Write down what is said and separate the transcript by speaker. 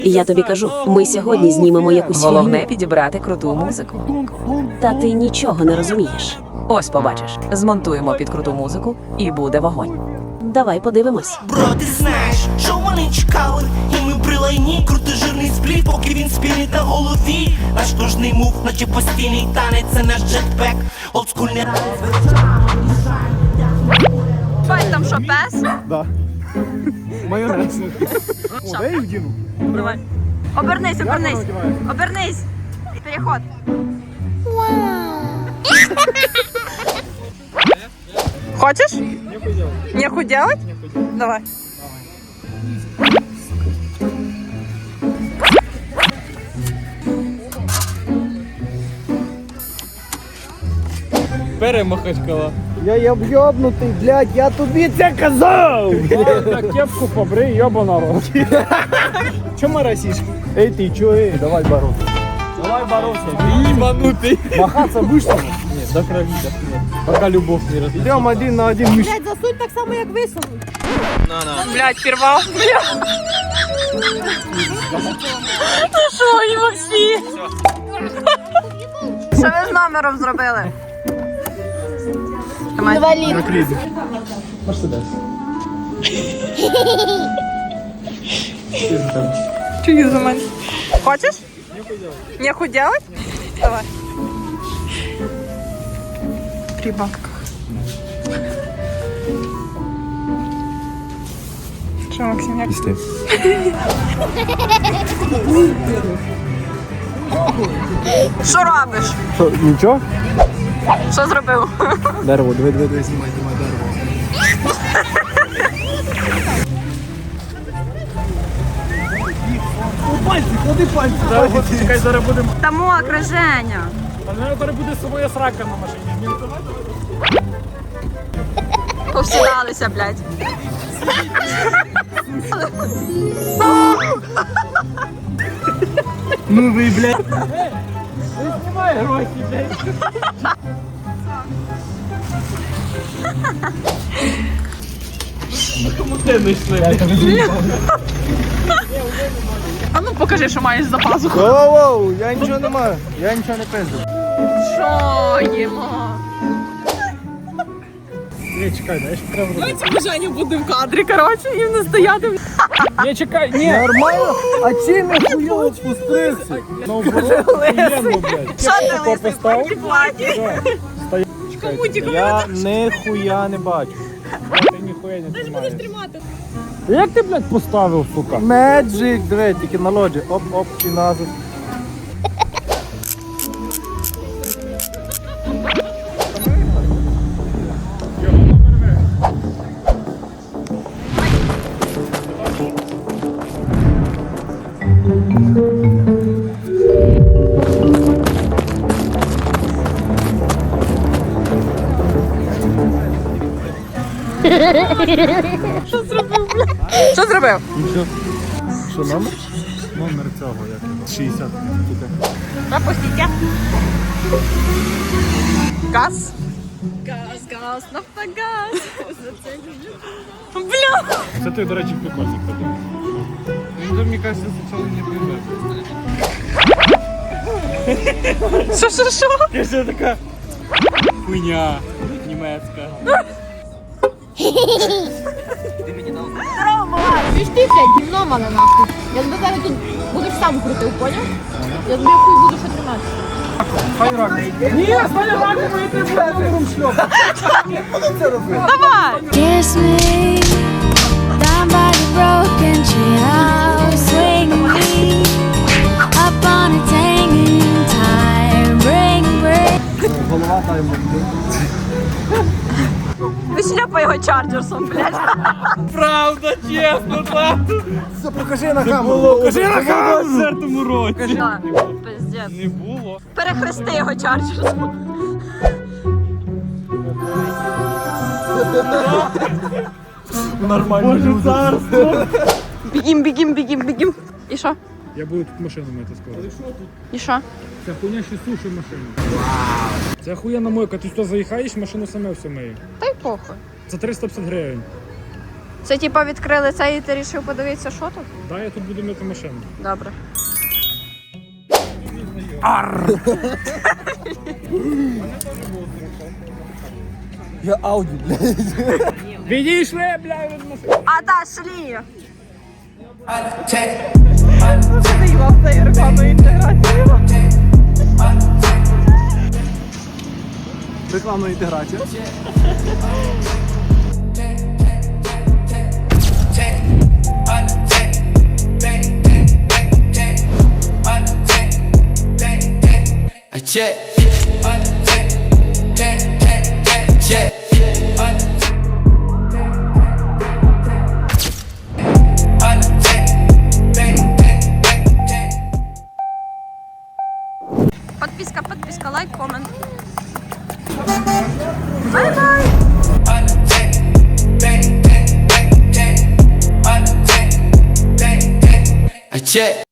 Speaker 1: Я тобі кажу, ми сьогодні знімемо якусь
Speaker 2: Головне
Speaker 1: фігню.
Speaker 2: підібрати круту музику.
Speaker 1: Та ти нічого не розумієш.
Speaker 2: Ось побачиш. Змонтуємо під круту музику і буде вогонь.
Speaker 1: Давай подивимось.
Speaker 3: Бро, ти знаєш, що вони чекали, і ми при лайні, крутий жирний спліт, поки він спінить на голові. Наш кожний мув, наче постійний танець, це наш джетпек, олдскульний
Speaker 4: Бать, там що, пес?
Speaker 5: Да. Майонез. О, дай їх вдіну.
Speaker 4: Давай. Обернись, обернись. Обернись. Переход. Хочешь? Нехуй делать? Давай.
Speaker 6: Перемахачкала.
Speaker 5: Я йобнутий, блядь, я тобі це казав!
Speaker 6: Так кепку побрий, йоба народ. Чому росиш?
Speaker 5: Ей ти, чо, ей, давай бороться.
Speaker 6: Давай бороться. Ебанутый.
Speaker 5: Махаться будеш?
Speaker 6: Нет, до крови, до крови. Пока любовь не разлетит.
Speaker 5: Йдемо один на один.
Speaker 7: Блядь, засунь так само, як висунуть.
Speaker 4: Блядь, порвав. Ти що, і Максі? Що ви з номером зробили?
Speaker 7: Інвалід.
Speaker 5: Накрити.
Speaker 4: Чую за мене. Хочеш? Нехуй делать? Давай. При бабках. Що, Максим, як? Що робиш?
Speaker 5: Що, нічого?
Speaker 4: Що зробив?
Speaker 5: Дерево, диви, знімай дерево. Ходи пальці.
Speaker 6: Чекай, зараз будемо.
Speaker 4: Та мокре, Женя.
Speaker 6: А мене зараз буде своя срака на машині.
Speaker 4: Повсідалися, блядь.
Speaker 5: Ну ви, блядь.
Speaker 6: Знімай гроші, блядь. Кому ти не йшли?
Speaker 4: А ну покажи, що маєш за пазуху.
Speaker 5: Воу, я нічого не маю. Я нічого не пизду.
Speaker 4: Що їмо?
Speaker 6: Ні, чекай, знаєш, що треба робити?
Speaker 4: Давайте Женя буде в кадрі, коротше, і не стояти.
Speaker 6: Ні, чекай, ні.
Speaker 5: Нормально? А чим я хуйово спустився?
Speaker 6: Наоборот, охуєнно, блядь.
Speaker 4: Що ти
Speaker 6: Кепку
Speaker 4: лисий в
Speaker 6: поставив.
Speaker 4: такій платі?
Speaker 6: Я ніхуя не бачу. Ти ніхуя не знімаєш. Як ти, блядь, поставив, сука?
Speaker 5: Меджик, диви, тільки на лоджі. Оп, і назад.
Speaker 4: Що зробив?
Speaker 5: Нічого. Що номер? Номер цього, як його? 60.
Speaker 4: Пропустите. Газ. Газ, нафтогаз. Бля.
Speaker 6: Це ти, до речі, прикольник подумав. Ну, мені кажется, спочатку не прийде.
Speaker 4: Що?
Speaker 6: Каже така хуйня німецька.
Speaker 7: Ти ж ти, блядь, гімно мала нахуй. Я тебе зараз тут будеш сам крутив, поняв? Я тобі хуй буду ще тримати.
Speaker 6: Ні, стань раком, і ти буде номером шльоп.
Speaker 4: Давай.
Speaker 8: Kiss me down by the broken treehouse, swing me up on its hanging time, bring.
Speaker 5: Голова та йому.
Speaker 4: Вишляпай його чарджерсом, блядь.
Speaker 6: Правда, чесно, так.
Speaker 5: Все, покажи на камеру. Покажи на камеру.
Speaker 6: В 4-му році.
Speaker 4: Пиздец.
Speaker 6: Не було.
Speaker 4: Перехрести його чарджерсом.
Speaker 5: Нормально.
Speaker 6: Боже, царство.
Speaker 4: Бігім. І що?
Speaker 6: Я буду тут машину мити скоро.
Speaker 4: І що?
Speaker 6: Це хуйня ще сушить машину. Це охуєнна мойка. Ти сюди заїхаєш, машину саме все миє.
Speaker 4: Та й похуй.
Speaker 6: За 350 гривень.
Speaker 7: Це типа відкрили це і ти вирішив подивитися, що тут?
Speaker 5: Так, я тут буду мити машину.
Speaker 7: Добре.
Speaker 6: Я Ауді, блядь. Відійшли, блядь, від машини.
Speaker 7: Отошли!
Speaker 4: Заїбав цією рекламною інтеграцією.
Speaker 6: Рекламна інтеграція.
Speaker 3: Check. Check.
Speaker 7: Подписка, лайк, комент.
Speaker 3: Check.